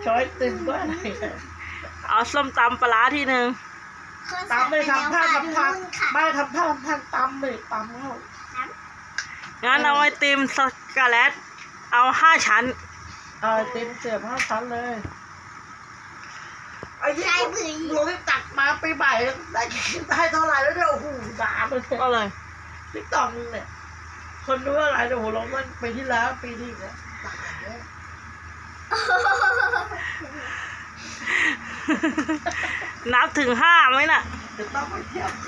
ช้อยติมก็อะไรเอาส้มตำปลาร้าทีหนึ่งตำไม่ทำท่าทำทางไม่ทำท่าทำทางตำเลยตำแล้วงั้นเอาไอติมสกาเลตเอา5 ชั้นเอาไอติมเสียบ5 ชั้นเลยไอ้ที่หลวงที่ตักมาปีใหม่ได้เท่าไหร่แล้วเนี่ยโอ้โหด่าเลยก็เลยติ๊กต็อกเนี่ยคนรู้อะไรเนี่ยโหลงมันปีที่แล้วปีนี้เนี่ยด่าเนี่ยนับถึง5ไหมน่ะจะต้องไปเที่ยว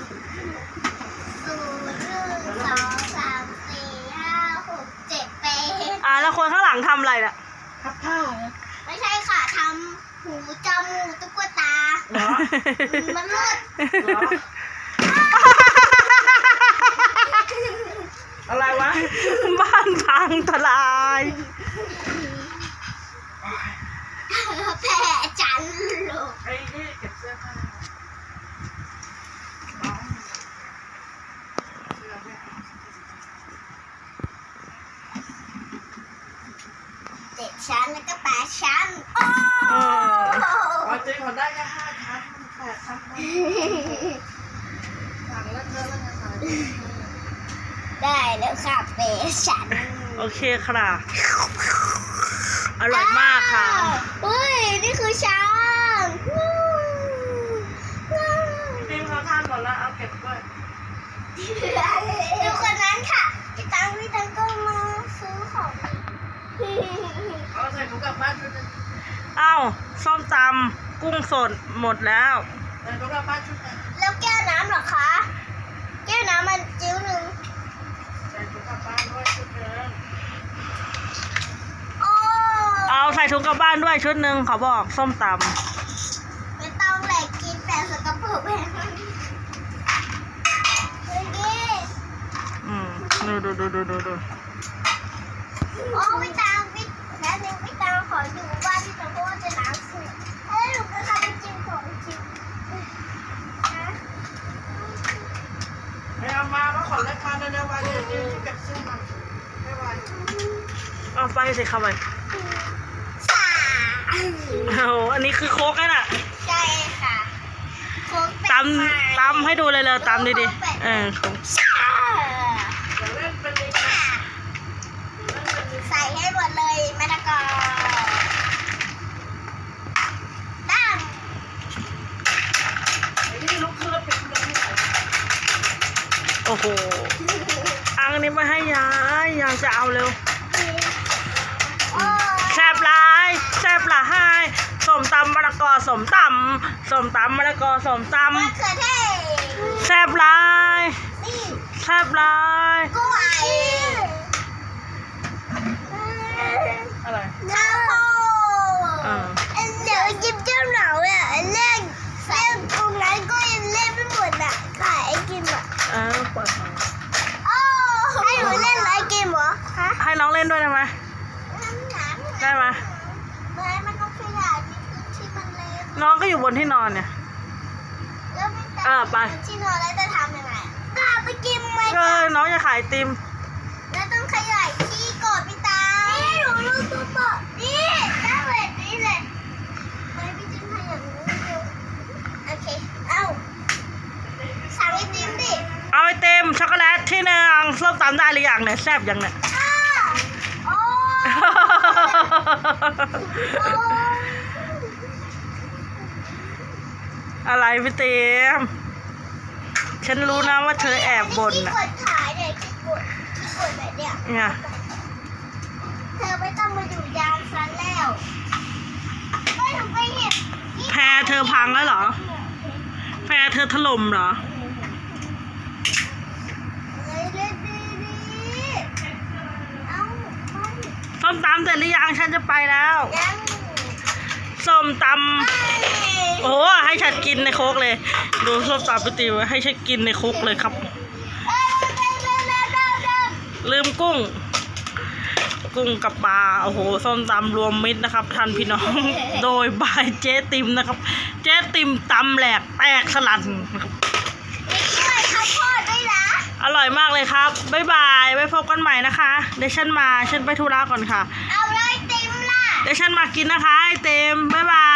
0 1 2 3 4 5 6 7 8 แล้วคนข้างหลังทำอะไรน่ะทับผ้าไม่ใช่ค่ะทำหูจมูกตุ๊กตาเหรอมันมืดเหรออะไรวะบ้านพังทลายแผ่จันลูกไอ้นี่เก็บเสื้อผ้า 7 ชั้นแล้วก็8 ชั้นจริงเขาได้แค่5 ชั้น8 ชั้นสั่งแล้วเธอแล้วไงได้แล้วค่ะ8 ชั้นโอเคค่ะอร่อยมากค่ะเฮ้ยนี่คือช้างทีมเขาทานหมดแล้วเอาเก็บด้วยดูคนนั้นค่ะพี่ตังก็มาซื้อของเอาใส่ถุงกลับบ้านชุดนึงส้มตำกุ้งสดหมดแล้วใส่ถุงกลับบ้านชุดนึงแล้วแก้วน้ำเหรอคะแก้วน้ำมันจิ้วหนึ่งใส่ถุงกลับบ้านด้วยชุดนึงเอาใส่ถุงกลับบ้านด้วยชุดหนึ่งเขาบอกส้มตำไม่ต้องแหลกกินแต่สกปรกแบบนี้ดูโอ้ไม่ตามแล้วนึงไม่ตามขอดูว่าที่ตะโกนจะล้างเสื้อหนูก็ทำจิ้มของจิ้มไม่เอามาขอเล็กมาเร็วๆวันนี้เก็บเสื้อมาไม่ไหวเอาไปสิครับไปอันนี้คือโค้กน่ะใช่ค่ะโค้กตำให้ดูเลยตำดีๆใส่ให้หมดเลยมะละกอตั้งโอ้โหอังนี้มาให้ยายจะเอาเร็วแซ่บหลายส้มตำมะละกอส้มตำมะละกอส้มตำแซ่บหลายกล้วยอะไรข้าวโพดเดี๋ยวยิ้มเจ้าหนาวอ่ะเล่นตรงนั้นก็ยังเล่นไม่หมดอ่ะขายไอกิมอ่ะปล่อยให้หนูเล่นไอกิมเหรอให้น้องเล่นด้วยได้ไหมได้ไหมมันต้องขยายที่มันเล่นน้องก็อยู่บนที่นอนเนี่ยไปที่นอนแล้วจะทำยังไงก็ไปกินไหมน้องจะขายติมแล้วต้องขยายที่กดพี่ตานี่หนูรู้ตัวปะนี่ได้แบบนี้เลยไม่พี่จิ้มขยับนู้นดูโอเคสั่งไอติมดิเอาไอติมช็อกโกแลตที่หนึ่งส้มตำได้หรือยังเนี่ยแซ่บยังเนี่ยอะไรพี่เต็มฉันรู้นะว่าเธอแอบบ่นน่ะที่กดแบบเนี้ยเธอไม่ต้องมาอยู่ยามฉันแล้วไม่ทำไปเห็นแพรเธอพังแล้วเหรอแพรเธอถล่มเหรอส้มตำเสร็จหรือยังฉันจะไปแล้วส้มตำโอ้ให้ฉันกินในโคกเลยดูส้มตำไปติวให้ฉันกินในโคกเลยครับลืมกุ้งกับปลาโอ้โหส้มตำรวมมิตรนะครับท่านพี่น้องโดยบายเจ๊ติมนะครับเจ๊ติมตำแหลกแตกสลัดนะครับอร่อยมากเลยครับบ๊ายบายไว้พบกันใหม่นะคะเดี๋ยวฉันไปธุระก่อนค่ะเอาเลยติมล่ะเดี๋ยวฉันมากินนะคะไอเต็มบ๊ายบา